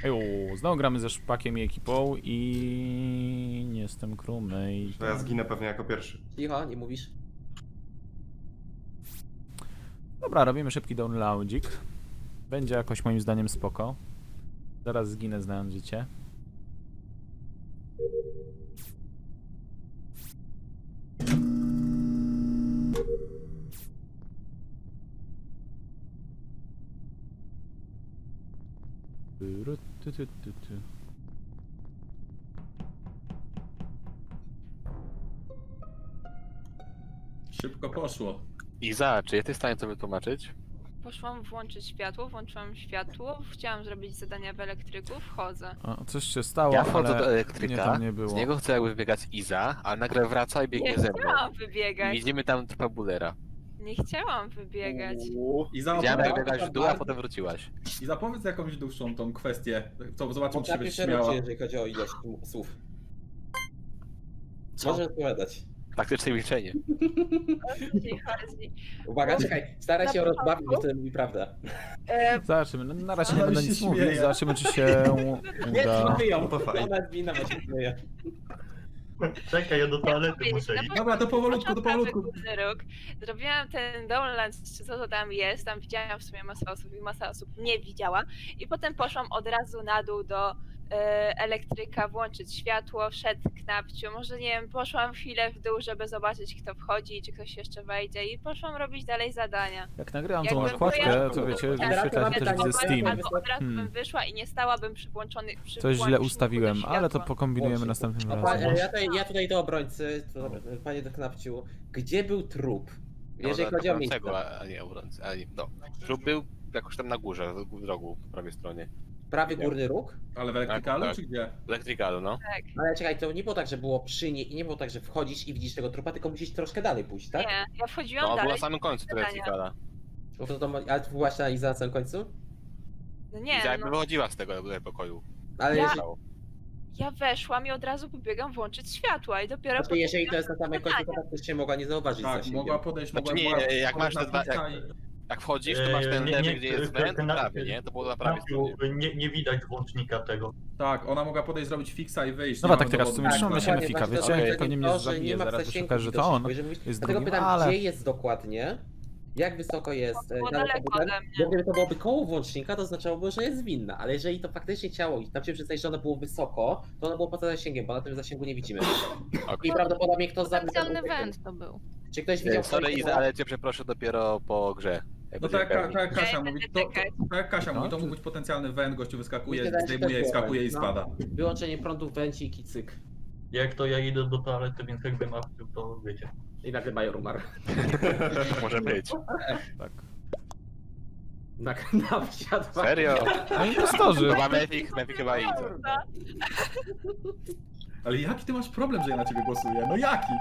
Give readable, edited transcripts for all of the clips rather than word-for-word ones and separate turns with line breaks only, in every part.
Znowu gramy ze Szpakiem i ekipą i nie jestem crewmate.
To ja zginę pewnie jako pierwszy.
Cicho, nie mówisz.
Dobra, robimy szybki downloadzik. Będzie jakoś moim zdaniem spoko. Zaraz zginę, znając życie.
Szybko poszło.
Iza, czy jesteś w stanie to wytłumaczyć?
Poszłam włączyć światło, włączyłam światło, chciałam zrobić zadania w elektryku, wchodzę.
O, coś się stało,
Ja wchodzę
ale
do
mnie
elektryka,
tam nie było.
z niego chce jakby wybiegać Iza, a nagle wraca i biegnie
Nie
ze mną.
chciałam
I
wybiegać,
widzimy tam trupa Bullera.
nie chciałam wybiegać.
I
Widziałem jak
zapowiedz,
biegać w dół, a potem wróciłaś.
i zapowiedz jakąś dłuższą tą kwestię. To zobaczymy, czy
Potrafię
byś
się
śmiała.
ruszy, jeżeli chodzi o ilość słów. Możesz odpowiadać.
Taktyczne milczenie.
Jeśli chodzi.
Uwaga, czekaj, staraj się
Na
rozbawić, bo
początku?
wtedy mówi prawdę.
Zobaczymy, no, na razie nie
Ale
będę
się
nic
śmieje.
mówić, zobaczymy czy się uda.
Wyjął,
to fajnie.
ona zwinna, bo się śmieje.
Czekaj, ja do toalety
powiedzieć,
muszę
na
iść.
Dobra, to powolutku, to
początku
powolutku.
Górny Róg. Zrobiłam ten download, czy co to tam jest, tam widziałam w sumie masę osób i masa osób nie widziała. I potem poszłam od razu na dół do elektryka, włączyć światło, wszedł Knapciu, może nie wiem, poszłam chwilę w dół, żeby zobaczyć kto wchodzi, czy ktoś jeszcze wejdzie i poszłam robić dalej zadania.
Jak nagrywam tą
Jakbym
nakładkę,
była-
to wiecie,
Tak,
wyświetla się też
pytanie,
widzę Steam.
Albo od razu
Hmm.
bym wyszła i nie stałabym przy włączony przy
Coś źle
włączniku
ustawiłem,
do
ale to
światła.
pokombinujemy
Włącznik.
następnym
A
razem.
ja tutaj do obrońcy, to, panie Knapciu, gdzie był trup? Jeżeli
No,
chodzi o miejsce.
a nie obrońcy, a nie, no. Trup był jakoś tam na górze, w rogu, po prawej stronie.
Prawy górny róg?
Ale w elektrykalu,
Tak.
czy gdzie?
W elektrykalu, no.
Ale czekaj, to nie było tak, że było przy niej i nie było tak, że wchodzisz i widzisz tego trupa, tylko musisz troszkę dalej pójść, tak?
Nie, ja wchodziłam
No, był
dalej.
na samym końcu tego
zadania.
elektryka.
Bo ale ty byłaś na Iza na samym końcu?
No nie,
Iza jakby
no,
wychodziła z tego pokoju.
Ale
Ja-
jeżeli,
ja weszłam i od razu pobiegam włączyć światła i dopiero
znaczy, jeżeli to jest na samym końcu,
zadania.
to faktycznie mogła nie zauważyć
Tak,
zasięgiem.
mogła podejść,
Znaczy
mogła...
nie,
mogła
jak masz te
na
dwa-
pizza
jak-
i-
Jak wchodzisz, to masz ten lewy, gdzie jest węd,
ten-
prawie, nie? To było na prawej stronie.
Nie widać włącznika tego.
Tak, ona mogła podejść, zrobić fixa i wyjść.
Dobra,
nie
tak
mamy
teraz w
dowodu.
sumie
Tak,
trzymamy się
dokładnie,
Mefika,
właśnie
wiecie?
to
Pewnie mnie
to, że
zabije
nie ma
zaraz, bo się
zasięgu
okaże, że to
widocznych,
on
bo jeżeli
jest
Dlatego
drugim,
pytam,
ale...
gdzie jest dokładnie, jak wysoko jest
Było
daleko
daleko
budynek?
ode mnie.
Bo gdyby to byłoby koło włącznika, to oznaczałoby, że jest winna, ale jeżeli to faktycznie ciało i tam się przyznaje, że ono było wysoko, to ono było poza zasięgiem, bo na tym zasięgu nie widzimy. I prawdopodobnie kto zabił...
Potencjalny węd to był.
Czy ktoś widział...
Sorry
ktoś,
Iza, ale cię przeproszę dopiero po grze. Jak
No
będziemy
tak,
pewni.
tak jak Kasia
Ja
mówi,
będę czekać.
tak jak Kasia mówi, to
No,
mógł być potencjalny węd, gościu wyskakuje,
Wydaje się,
zdejmuje,
też
skakuje i
było,
spada.
Wyłączenie prądu, węcik i cyk.
Jak to ja idę do toalety, więc jakby mawczył, to wiecie.
I nagle major umarł.
Może być.
Tak.
Na wsiadł.
Serio?
No impostorzy!
Chyba Mefik chyba Iza.
Ale jaki ty masz problem, że ja na ciebie głosuję? No jaki?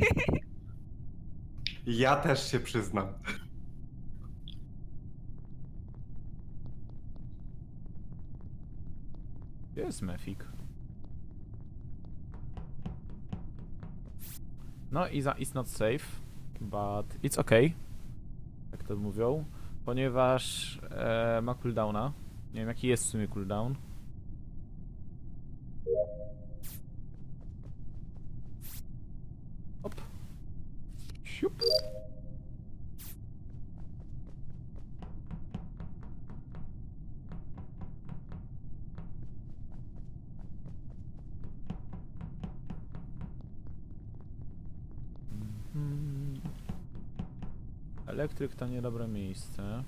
Ja też się przyznam.
Gdzie jest Mefik? No, is not safe, but it's okay. Jak to mówią. Ponieważ ma cooldowna. Nie wiem jaki jest w sumie cooldown. Hop. Siup. Mhm. Elektryk to niedobre miejsce.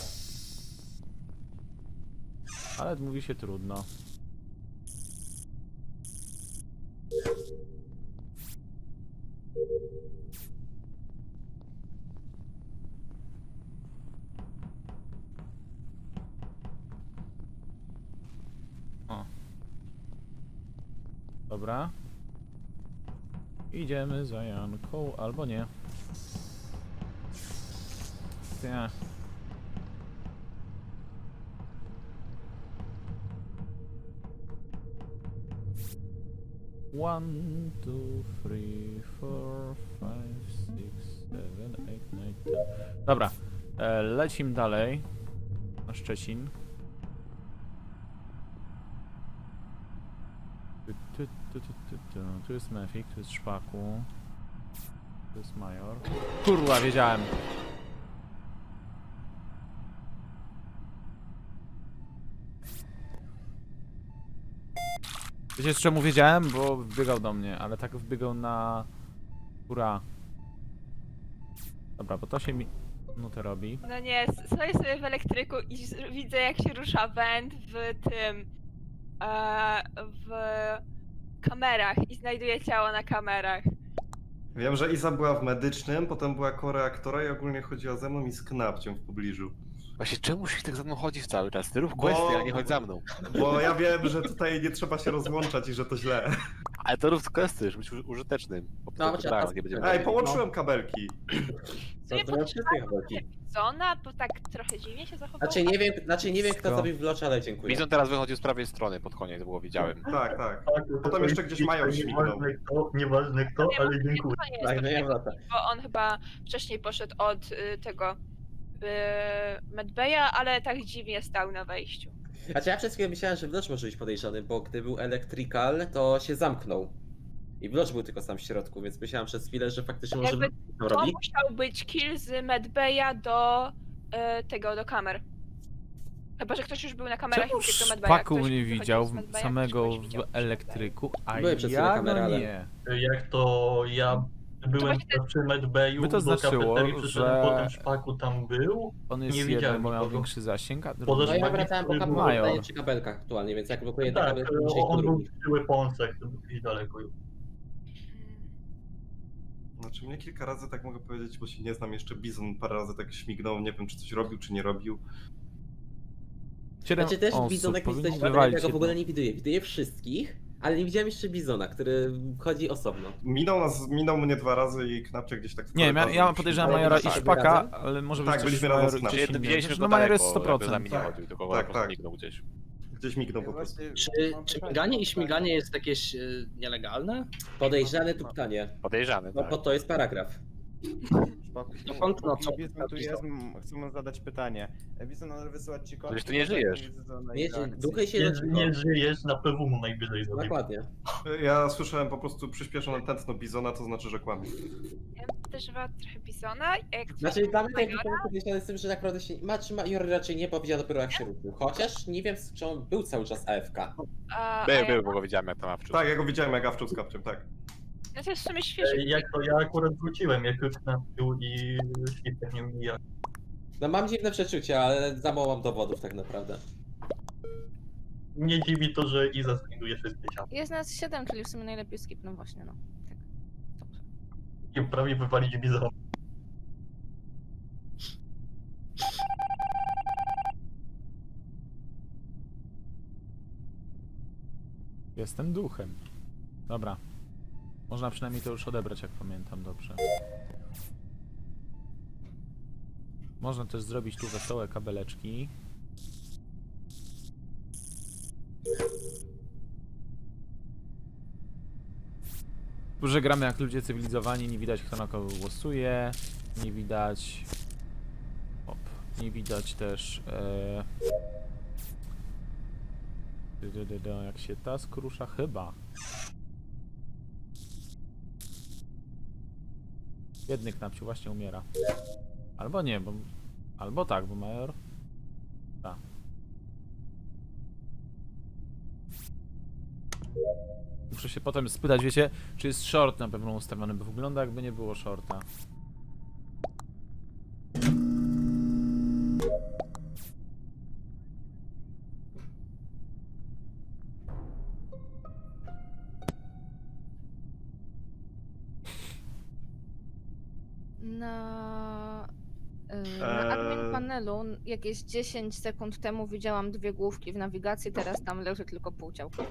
Ale mówi się trudno. O. Dobra. Idziemy za Janką, albo nie. Nie. One, two, three, four, five, six, seven, eight, nine, ten. Dobra, lecimy dalej na Szczecin. Tu jest Mefik, tu jest Szpaku. Tu jest Major. Kurwa, wiedziałem. Wiecie, z czemu wiedziałem? Bo wbiegał do mnie, ale tak wbiegał na... Ura. Dobra, bo to się mi... minutę robi.
No nie, stoję sobie w elektryku i widzę jak się rusza węd w tym... w kamerach i znajduję ciało na kamerach.
Wiem, że Iza była w medycznym, potem była koreaktora i ogólnie chodziła ze mną i z Knapciem w pobliżu.
Właśnie czemu się tak za mną chodzisz cały czas? Ty rób questy, a nie chodź za mną.
Bo ja wiem, że tutaj nie trzeba się rozłączać i że to źle.
Ale to rób questy, żeby być użytecznym. Bo
No,
potem
trzeba-
nie będziemy
Ej,
wiedzieli.
połączyłem kabelki.
Co
Nie
to ma wszystkie chodzi?
Zona, bo tak trochę dziwnie się zachowało.
Znaczy nie wiem kto
Co?
zrobił wlocz, ale dziękuję.
Bizon teraz wychodził z prawej strony pod koniec, to było widziałem.
Tak, tak.
Tak,
Potem jeszcze gdzieś Major śmignął.
Nieważne kto,
Nie,
ale
bo
dziękuję.
to nie jest
Tak,
to
no ja
fajne,
wracam.
bo on chyba wcześniej poszedł od tego Medbeja, ale tak dziwnie stał na wejściu.
Znaczy ja przez chwilę myślałem, że Wlocz może być podejrzany, bo gdy był Electrical, to się zamknął. I Wlocz był tylko sam w środku, więc myślałem przez chwilę, że faktycznie może
Jakby
Wlocz to
To
robi.
musiał być kill z Medbeja do do kamer. Chyba, że ktoś już był na kamerach
Czemu
i uciekł do Medbeja.
Szpaku
Ktoś
mnie
wychodził
widział
z Medbeja,
samego
ktoś widział
w
przy
elektryku, a
Były przez chwilę
ja
kamery,
no
ale-
nie.
Jak to ja byłem
właśnie ten-
przy Medbayu,
By to
do
znaczyło,
kafeterii przyszedłem,
że-
potem Szpaku tam był.
On jest
Nie
jeden,
widziałem
bo miał
nikogo.
większy zasięg, a
Poza
No
drugi...
ja
Szpakiem,
wracałem po
który
Major.
kabelkach przy kabelkach aktualnie, więc jak blokuję te
Tak,
kabelki, to się
on był
drugi.
przy weaponsach, to gdzieś daleko już.
Znaczy mnie kilka razy tak mogę powiedzieć, bo się nie znam jeszcze. Bizon parę razy tak śmignął, nie wiem czy coś robił, czy nie robił.
7
Znaczy też
osób,
Bizonek mi
powinni
coś wywalić,
wywalić
ja go w ogóle
jedną.
nie widuję. Widuję wszystkich, ale nie widziałem jeszcze Bizona, który chodzi osobno.
Minął mnie 2 razy i Knapcie gdzieś tak w
Nie,
korytarzu
ja podejrzewam
Ale
Majora i
byliście
Szpaka,
razem?
ale może
Tak,
być też
byliśmy razem
Major
z
gdzieś
Knapem.
inny.
Widzieliśmy
Znaczy,
go
no Major
daleko,
jest
jakby za
100%.
mnie nie chodził, tylko po prostu
tak.
mignął gdzieś.
Gdzieś mignął po prostu.
Czy miganie i śmiganie jest jakieś nielegalne?
Podejrzane tu pytanie.
Podejrzany,
No
tak.
bo to jest paragraf.
Dokąd, no co?
Bizon tu jest, chcę mu zadać pytanie. Bizon należy wysyłać ci kod.
Przecież ty nie żyjesz.
Duchy się
Nie żyjesz, na PW najwyżej zrobił.
Dokładnie.
Ja słyszałem po prostu przyspieszone tętno Bizona, to znaczy, że kłamie.
Ja podejrzewam trochę Bizona. Jak
Znaczy dla mnie
Majora,
tak podejrzane z tym, że tak naprawdę się... Major raczej nie powiedział dopiero jak się ruszył. Chociaż nie wiem, czy on był cały czas AFK.
Był, bo go widziałem jak tam awczył.
Tak, ja go widziałem jak awczył z Kapciem, tak.
No to jest w sumie świeży.
Jak to ja akurat wróciłem, jak już napił i świtek nie mija.
No mam dziwne przeczucia, ale za mało mam dowodów tak naprawdę.
Nie dziwi to, że Iza znajduje wszystkie ciała.
Jest nas 7, czyli w sumie najlepiej skip, no właśnie, no. Tak. Dobrze.
I prawie wywalić Bizona.
Jestem duchem. Dobra. Można przynajmniej to już odebrać, jak pamiętam dobrze. Można też zrobić tu wesołe kabeleczki. Że gramy jak ludzie cywilizowani, nie widać kto na kogo głosuje, nie widać... Op, nie widać też... Jak się task rusza, chyba. Biedny Knapciu właśnie umiera. Albo nie, bo... Albo tak, bo Major... Tak. Muszę się potem spytać, wiecie, czy jest short na pewno ustawiony, bo wygląda jakby nie było shorta.
Na admin panelu jakieś 10 sekund temu widziałam 2 główki w nawigacji, teraz tam leży tylko pół ciałka.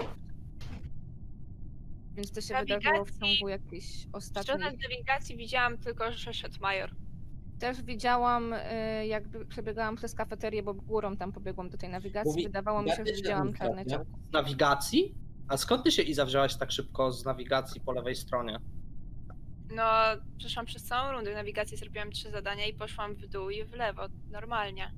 Więc to się wydarzyło w ciągu jakichś
Stronę
ostatnich...
nawigacji widziałam tylko, że szedł Major.
Też widziałam, jakby przebiegałam przez kafeterię, bo górą tam pobiegłam do tej nawigacji. Wydawało mi się, że widziałam czarne ciałko.
Z nawigacji? A skąd ty się Iza wzięłaś tak szybko z nawigacji po lewej stronie?
No, przeszłam przez całą rundę nawigacji, zrobiłam 3 zadania i poszłam w dół i w lewo, normalnie.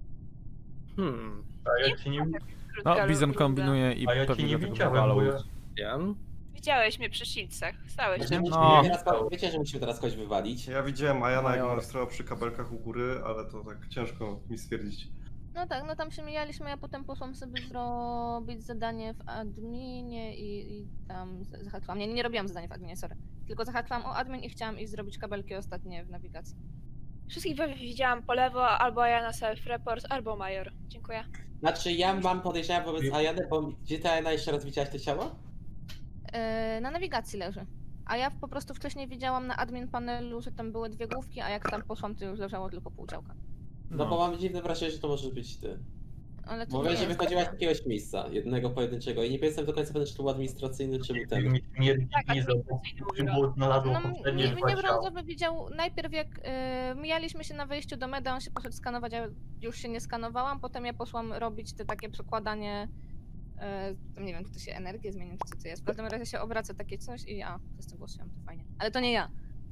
A ja cię nie,
No, Bizon kombinuje i
a ja cię
pewnie
nie
dlatego
widziałem,
wywalał.
bo ja
Wiem.
Widziałeś mnie przy shieldsach. Stałeś
Znaczy,
tam.
No.
wiecie, że musimy teraz kogoś wywalić.
Ja widziałem Ajana, jak
Major.
ona stała przy kabelkach u góry, ale to tak ciężko mi stwierdzić.
No tak, no tam się mijaliśmy, ja potem poszłam sobie zrobić zadanie w adminie i tam zahaczyłam. Nie robiłam zadania w adminie, sorry. Tylko zahaczyłam o admin i chciałam iść zrobić kabelki ostatnie w nawigacji.
Wszystkich widziałam po lewo, albo ja na self-report, albo Major. Dziękuję.
Znaczy ja mam podejrzenia wobec Ajany, bo gdzie ty Ajana jeszcze raz widziałaś to ciało?
Na nawigacji leży. A ja po prostu wcześniej widziałam na admin panelu, że tam były 2 główki, a jak tam poszłam, to już leżało tylko pół ciałka.
No bo mam dziwne wrażenie, że to możesz być ty.
Ale to
Bo
nie
wiem, że
jest.
wychodziłaś z jakiegoś miejsca, jednego pojedynczego i nie jestem do końca pewien, czy to był administracyjny, czy był ten.
Mi śmierdzi
Tak,
Iza, bo
administracyjny
przy
mówiła.
było znalazło
No,
poprzednie
mnie
2 ciała.
brązowy widział najpierw jak mijaliśmy się na wejściu do meda, on się poszedł skanować, a już się nie skanowałam, potem ja poszłam robić te takie przekładanie, tam nie wiem, czy to się energię zmieni, czy co to jest. W każdym razie się obraca takie coś i przez to głosujemy, to fajnie. Ale to nie ja.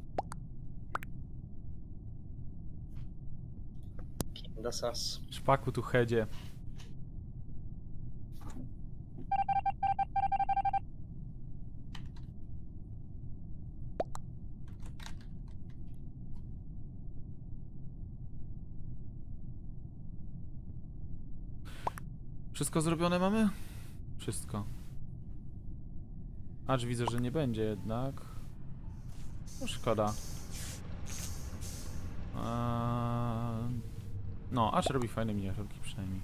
Kinda sas.
Szpaku tu headzie. Wszystko zrobione mamy? Wszystko. Acz widzę, że nie będzie jednak. No szkoda. No, Acz robi fajne miniaturki przynajmniej.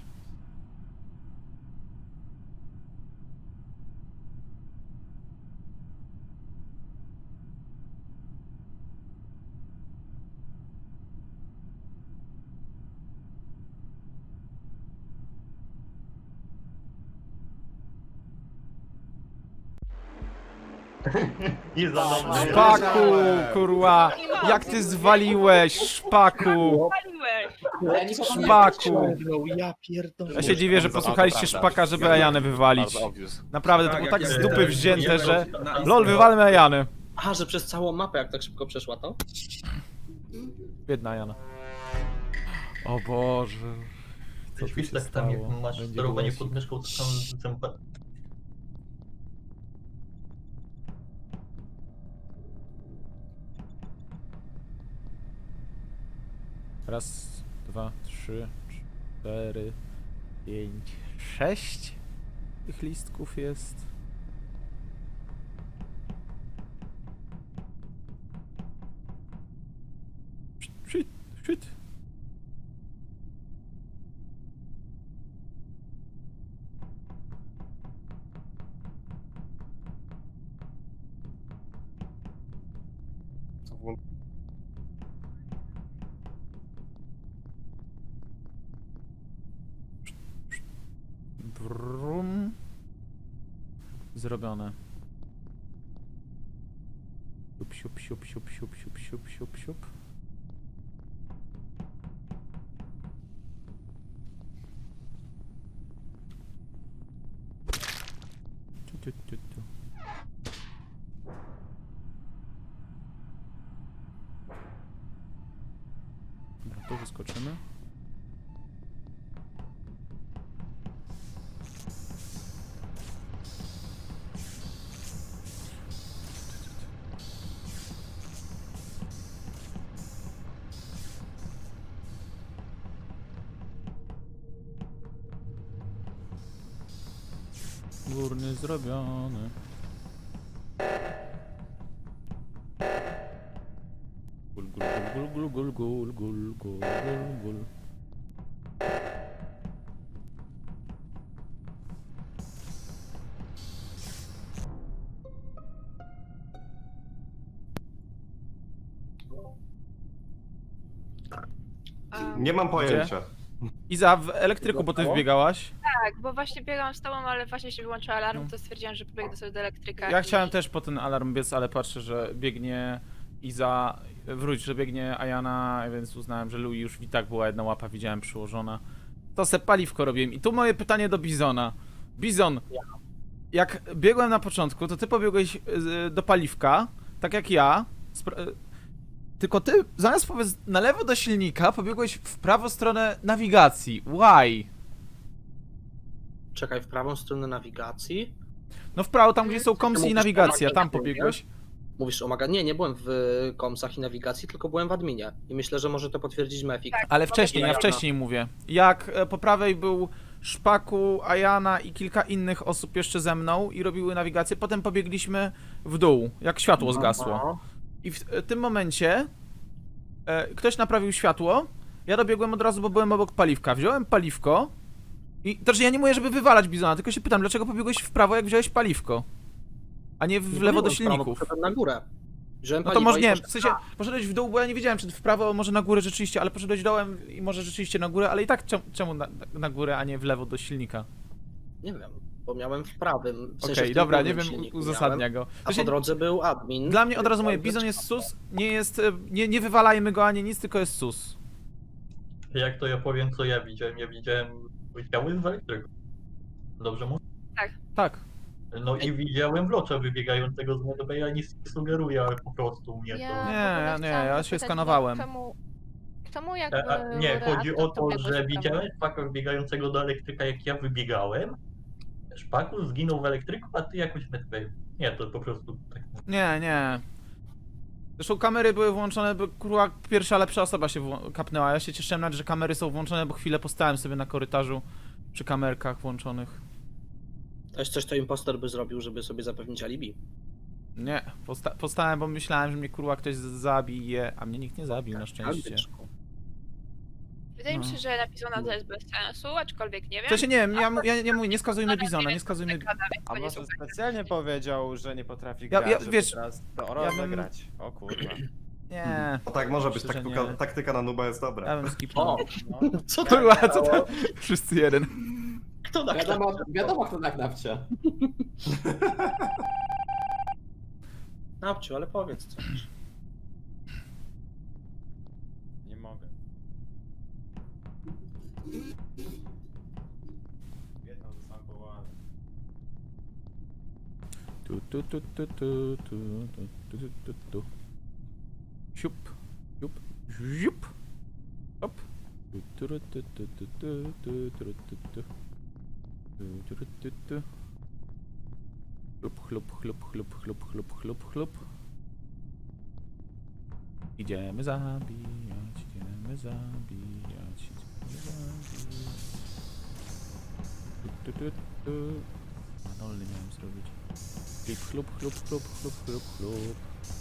Iza do mnie.
Szpaku, kurwa! Jak ty zwaliłeś, szpaku!
Paliłeś!
Ja nie
Szpaku!
Ja pierdolę.
Ja się dziwię, że posłuchaliście szpaka, żeby Ajanę wywalić.
Bardzo obvious.
Naprawdę, to
Tak,
było
jak
tak
ja
z dupy
teraz
wzięte,
byłem
że...
na
LOL, wywalmy Ajanę.
Aha, że przez całą mapę jak tak szybko przeszła to?
Biedna Ajana. O Boże. Co tu się
Świstek tam, jak
stało?
masz
Będzie
sterowanie
głosik.
pod myszką, to tam zęba.
Raz, 2, 3, 4, 5, 6 tych listków jest. Shit, shit.
Co włą-
Brum. Zrobione. Siup, siup, siup, siup, siup, siup, siup, siup. Tu. Dobra, tu wyskoczymy. Górny zrobiony. Gul, gul, gul, gul, gul, gul, gul, gul, gul.
Nie mam pojęcia.
Iza, w elektryku, bo ty wbiegałaś.
Tak, bo właśnie biegałam z tobą, ale właśnie się wyłączył alarm, to stwierdziłam, że pobiegnę sobie do elektryka.
Ja
i-
chciałem też po ten alarm biec, ale patrzę, że biegnie Iza, wróć, że biegnie Ajana, więc uznałem, że Louis już i tak była jedna łapa, widziałem przyłożona. To se paliwko robiłem. I tu moje pytanie do Bizona. Bizon, jak biegłem na początku, to ty pobiegłeś do paliwka, tak jak ja. Tylko ty, zamiast powiedz na lewo do silnika, pobiegłeś w prawą stronę nawigacji. Why?
Czekaj, w prawą stronę nawigacji.
No w prawo, tam gdzie są komsy i
Mówisz o
nawigacja, tam
magazynie?
pobiegłeś.
Mówisz o magazynie? Nie byłem w komsach i nawigacji, tylko byłem w adminie. I myślę, że może to potwierdzić Mefik.
Tak.
Ale wcześniej, ja
Jana.
wcześniej mówię. Jak po prawej był Szpaku, Ajana i kilka innych osób jeszcze ze mną i robiły nawigację, potem pobiegliśmy w dół, jak światło zgasło.
No.
I w tym momencie ktoś naprawił światło, ja dobiegłem od razu, bo byłem obok paliwka. Wziąłem paliwko i... To, że ja nie mówię, żeby wywalać Bizona, tylko się pytam, dlaczego pobiegłeś w prawo, jak wziąłeś paliwko? A nie w lewo do silników.
Poszedłem na górę. Wziąłem
No to
paliwo
może
i
nie, w
poszedłem-
sensie poszedłeś w dół, bo ja nie wiedziałem, czy w prawo, może na górę rzeczywiście, ale poszedłeś dołem i może rzeczywiście na górę, ale i tak czemu na górę, a nie w lewo do silnika?
Nie wiem, bo miałem w prawym. W sensie
Okej,
w tym
dobra, nie
górnym
wiem,
silniku
uzasadnia
miałem,
go.
A po drodze był admin.
Dla mnie od razu mówię,
który-
Bizon jest sus, nie jest, nie wywalajmy go ani nic, tylko jest sus.
Jak to ja powiem, co ja widziałem? Ja widziałem ciało z elektryku. Dobrze mówię?
Tak.
No i widziałem Wlocza wybiegającego z Medbaya, ja nic nie sugeruję, ale po prostu mnie to...
Nie,
w ogóle
ja
chciałam
się
zapytać,
skanowałem.
Czemu jakby...
Nie, chodzi o
reaktor
to,
biegłeś
że
w prawo?
widziałem Szpaka wbiegającego do elektryka, jak ja wybiegałem. Szpaku zginął w elektryku, a ty jakoś w Medbayu. Nie, to po prostu tak.
Nie. Zresztą kamery były włączone, bo kurwa pierwsza lepsza osoba się kapnęła. Ja się cieszyłem nawet, że kamery są włączone, bo chwilę postałem sobie na korytarzu przy kamerkach włączonych.
To jest coś, co impostor by zrobił, żeby sobie zapewnić alibi.
Nie, postałem, bo myślałem, że mnie kurwa ktoś zabije, a mnie nikt nie zabił na szczęście.
Albyczku.
Wydaje mi
No.
się, że napisano to jest bez sensu, aczkolwiek nie wiem.
To się nie wiem, ja nie mówię, nie skazujmy Bizona, nie skazujmy...
A może specjalnie powiedział, że nie potrafi
Ja-
grać,
ja-
żeby
wiesz,
teraz to
ja
rozegrać.
bym-
grać. O kurwa.
Nie,
No tak może być,
Myślę, że
taktyka,
nie.
taktyka na nuba jest dobra.
ja bym skipnął.
O,
No.
co to
Kurwa, co to? Wszyscy jeden.
Kto tak
Wiadomo kto tak nawcia.
Nawciu, ale powiedz coś.
Nie mogę. Jedną zostałem powołany.
Tu. Siup, siup, siup. Hop. Chlup. Idziemy zabijać. A dolny miałem zrobić. Chlup.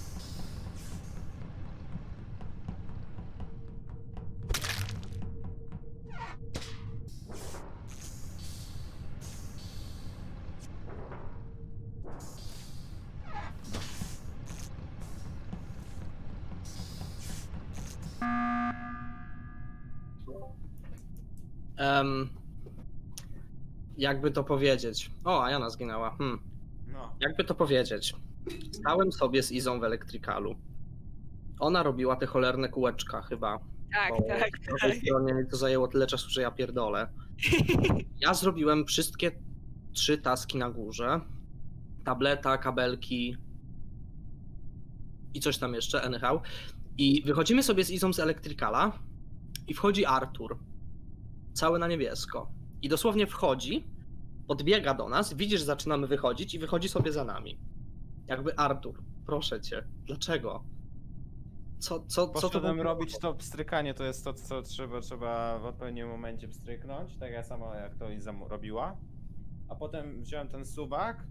Jakby to powiedzieć. O, a Jana zginęła.
No.
Jakby to powiedzieć. Stałem sobie z Izą w elektrykalu. Ona robiła te cholerne kółeczka chyba.
Tak,
bo
tak.
po tej stronie to zajęło tyle czasu, że ja pierdolę. Ja zrobiłem wszystkie 3 taski na górze. Tableta, kabelki i coś tam jeszcze, anyhow. I wychodzimy sobie z Izą z elektrykala i wchodzi Artur. Cały na niebiesko. I dosłownie wchodzi, podbiega do nas, widzi, że zaczynamy wychodzić i wychodzi sobie za nami. Jakby Artur, proszę cię, dlaczego? Co to
Poszedłem
było?
robić to pstrykanie, to jest to, co trzeba w odpowiednim momencie pstryknąć, tak samo jak to Iza robiła. A potem wziąłem ten suwak.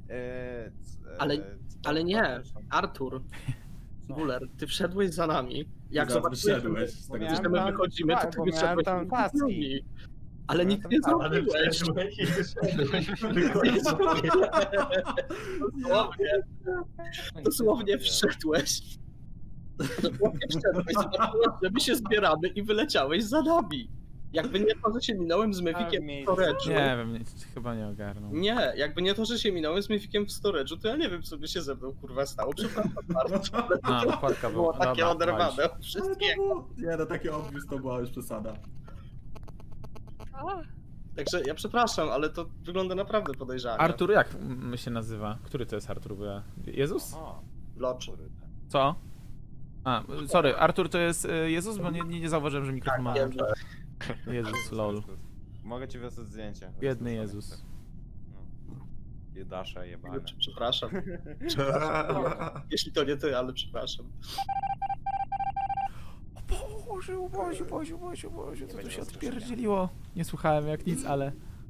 Ale nie, Artur, Guler, ty wszedłeś za nami. Jak
Zaraz
zobaczyłeś,
wyszedłeś
że
z tego
miałem
że my
tam-
wychodzimy, to
tak,
ty
bo miałem
wyszedłeś
tam
z
paski.
nami. Ale
Miałem
nic
tam
nie
paski.
Ale
zrobiłeś.
wszedłeś i wyszedłeś.
Dosłownie wszedłeś. Dosłownie wszedłeś, zobaczyłeś, że my się zbieramy i wyleciałeś za nami. Jakby nie to, że się minąłem z Mefikiem w
miejscu.
storage'u.
Nie wiem, chyba nie ogarnął.
Nie, jakby nie to, że się minąłem z Mefikiem w storage'u, to ja nie wiem, co by się ze mną kurwa stało. Przepraszam bardzo.
A, okładka
Było
była.
takie
Dobra,
oderwane od
No to
wszystkiego.
było, nie no, takie obvious to była już przesada.
O,
Także ja przepraszam, ale to wygląda naprawdę podejrzanie.
Artur, jak się nazywa? Który to jest Artur? Bo ja... Jezus?
O,
Locz.
Co? A, sorry, Artur to jest Jezus, bo nie zauważyłem, że mikrofon ma...
wiem, że-
Jezus, lol.
Mogę ci wysłać zdjęcie.
Biedny Jezus.
No. Judasze jebane.
Przepraszam. Jeśli to nie ty, ale przepraszam.
Boże, co tu
będzie
się
rozproszenia.
odpierdzieliło? Nie słuchałem jak nic, ale...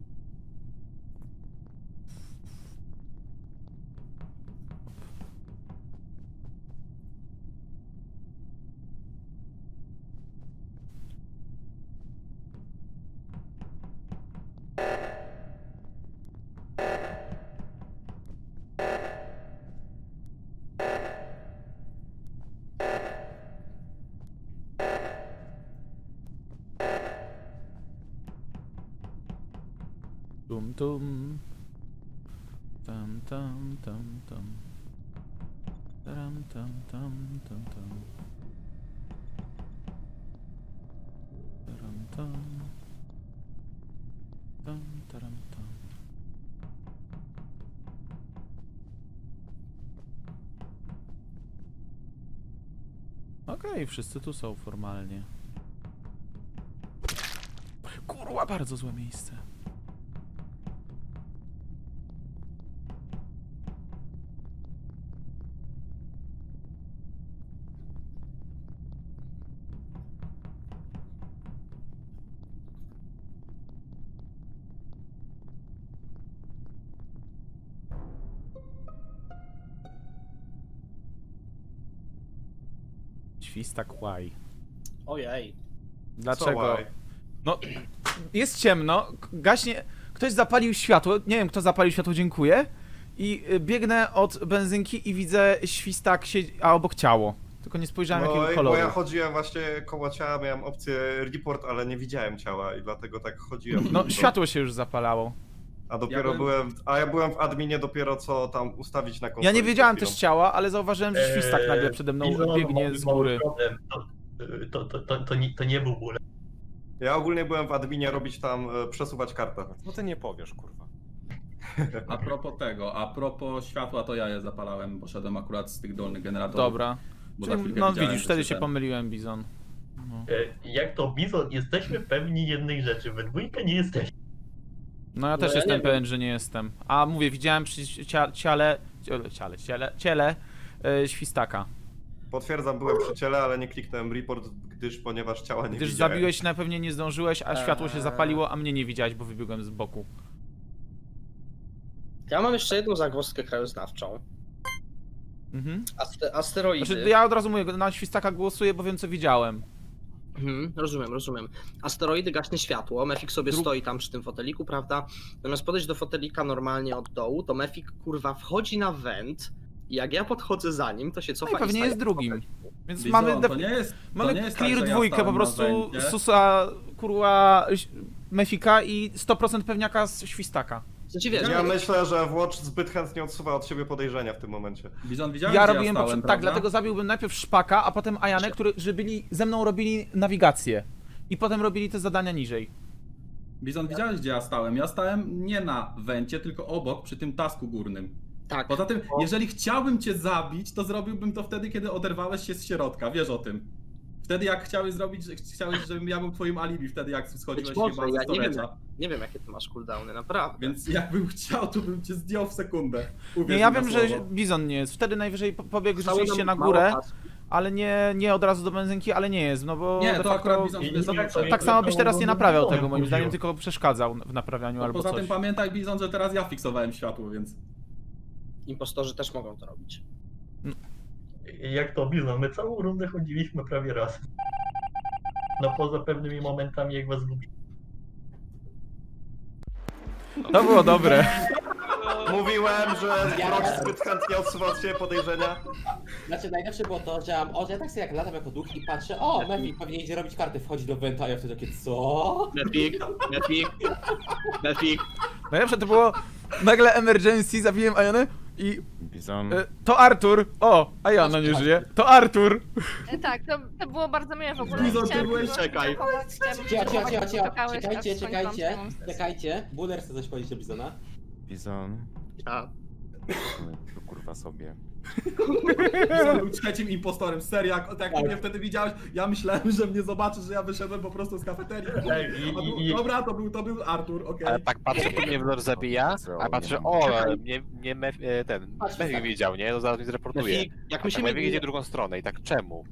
Tum tum. Tam tam tam tam. Taram tam tam tam tam. Taram tam. Tam taram tam. Okej, wszyscy tu są formalnie. Kurwa, bardzo złe miejsce. Świstak łaj.
Ojej.
Dlaczego?
why?
No, jest ciemno, gaśnie... Ktoś zapalił światło, nie wiem kto zapalił światło, dziękuję. I biegnę od benzynki i widzę świstak, a obok ciało. Tylko nie spojrzałem
No,
jakiego
bo
koloru.
ja chodziłem właśnie koło ciała, miałem opcję report, ale nie widziałem ciała i dlatego tak chodziłem.
No, światło się już zapalało.
A dopiero ja byłem w adminie dopiero co tam ustawić na konsoli.
Ja nie wiedziałem
przed
też ciała, ale zauważyłem, że świstak nagle przede mną
Bizon,
biegnie
mały
z góry.
problem. To nie był ból.
Ja ogólnie byłem w adminie robić tam, przesuwać kartę.
No ty nie powiesz, kurwa.
A propos światła, to ja je zapalałem, poszedłem akurat z tych dolnych generatorów.
Dobra.
Bo za
Czyli,
chwilkę
no
widziałem,
widzisz,
że
wtedy się
ten-
pomyliłem, Bizon. No,
Jak to Bizon, jesteśmy pewni jednej rzeczy, we dwójkę nie jesteśmy.
no ja też
ja
jestem
nie
pewien, że nie jestem. A mówię, widziałem przy ciele świstaka.
Potwierdzam, byłem przy ciele, ale nie kliknąłem report, ponieważ ciała nie
Gdyż
widziałem.
zabiłeś, na pewnie nie zdążyłeś, a światło się zapaliło, a mnie nie widziałeś, bo wybiegłem z boku.
Ja mam jeszcze jedną zagwozdkę krajoznawczą.
Mhm.
Asteroidy.
Znaczy, ja od razu mówię, na świstaka głosuję, bo wiem co widziałem.
Rozumiem. Asteroidy gaśnie światło, Mefik sobie stoi tam przy tym foteliku, prawda? Zamiast podejść do fotelika normalnie od dołu, to Mefik kurwa wchodzi na węd i jak ja podchodzę za nim, to się cofa
No i pewnie
staje
jest
w
drugim.
foteliku.
Więc
Bizon,
mamy,
to nie jest, to
mamy
nie jest
clear
tak, że ja
dwójkę, po
stałem na
prostu
wędzie.
Susa, kurwa, Mefika i 100% pewniaka z świstaka.
W sensie wiesz,
Ja myślę, że Watch zbyt chętnie odsuwa od siebie podejrzenia w tym momencie.
Bizon, widziałeś,
Ja
gdzie
robiłem,
stałem,
tak,
prawda?
dlatego zabiłbym najpierw Szpaka, a potem Ajanę, że ze mną robili nawigację. I potem robili te zadania niżej.
Bizon, widziałeś, gdzie ja stałem? Ja stałem nie na wencie, tylko obok, przy tym tasku górnym.
tak.
Poza tym, jeżeli chciałbym cię zabić, to zrobiłbym to wtedy, kiedy oderwałeś się z środka, wiesz o tym. Wtedy jak chciałeś, żebym ja był twoim alibi, wtedy jak schodziłeś
Być może,
chyba ze
ja nie wiem,
storage'a.
nie wiem jakie ty masz cooldowny, naprawdę.
Więc jakbym chciał, to bym cię zdjął w sekundę. Uwierz
Nie, ja
mi na
wiem, że
słowo.
Bizon nie jest. Wtedy najwyżej pobiegł
Zostało
rzeczywiście
nam
na
mało
górę,
czasu.
ale nie od razu do benzynki, ale nie jest, no bo
Nie,
de
to
facto,
akurat Bizon
Nie, nie, to-
tak samo byś teraz nie naprawiał
Bizonem
tego, moim
chodziło.
zdaniem, tylko przeszkadzał w naprawianiu albo
Poza
coś.
tym pamiętaj, Bizon, że teraz ja fiksowałem światło, więc...
Impostorzy też mogą to robić.
Jak to Bizon, my całą rundę chodziliśmy prawie raz. No poza pewnymi momentami, jak was lubi.
To było dobre.
Mówiłem, że Watch zbyt chętnie odsuwa od siebie podejrzenia.
Znaczy najlepsze było to, że ja tak sobie jak latam jako duch i patrzę, o, Mefik pewnie idzie robić karty, wchodzi do Wenta, a ja wtedy takie, co?
Mefik.
Najlepsze to było nagle emergency, zabiłem Ajanę i
Bizon.
to Artur. O, Ajana nie żyje. To Artur.
Tak, to było bardzo miłe w ogóle.
Bizon, ty
Chciałam
byłeś-
tylko
Czekaj.
zachować, chciałabym
Cicho,
zachować, że czekałeś, aż
czekajcie,
skończyłam swoją
czekajcie. Buller chce coś powiedzieć do Bizona.
Bizon.
A,
To kurwa sobie.
Izan był trzecim impostorem, serio, jak ty mnie wtedy widziałeś, ja myślałem, że mnie zobaczysz, że ja wyszedłem po prostu z kafeterii. Dobra, to był Artur, okej.
Ale tak patrzę, tu mnie Wlor zabija, a patrzę, ten Mefik wiedział, nie? No zaraz mnie zreportuje.
Jak
Tak
myślimy,
Mefik idzie w drugą stronę i tak czemu?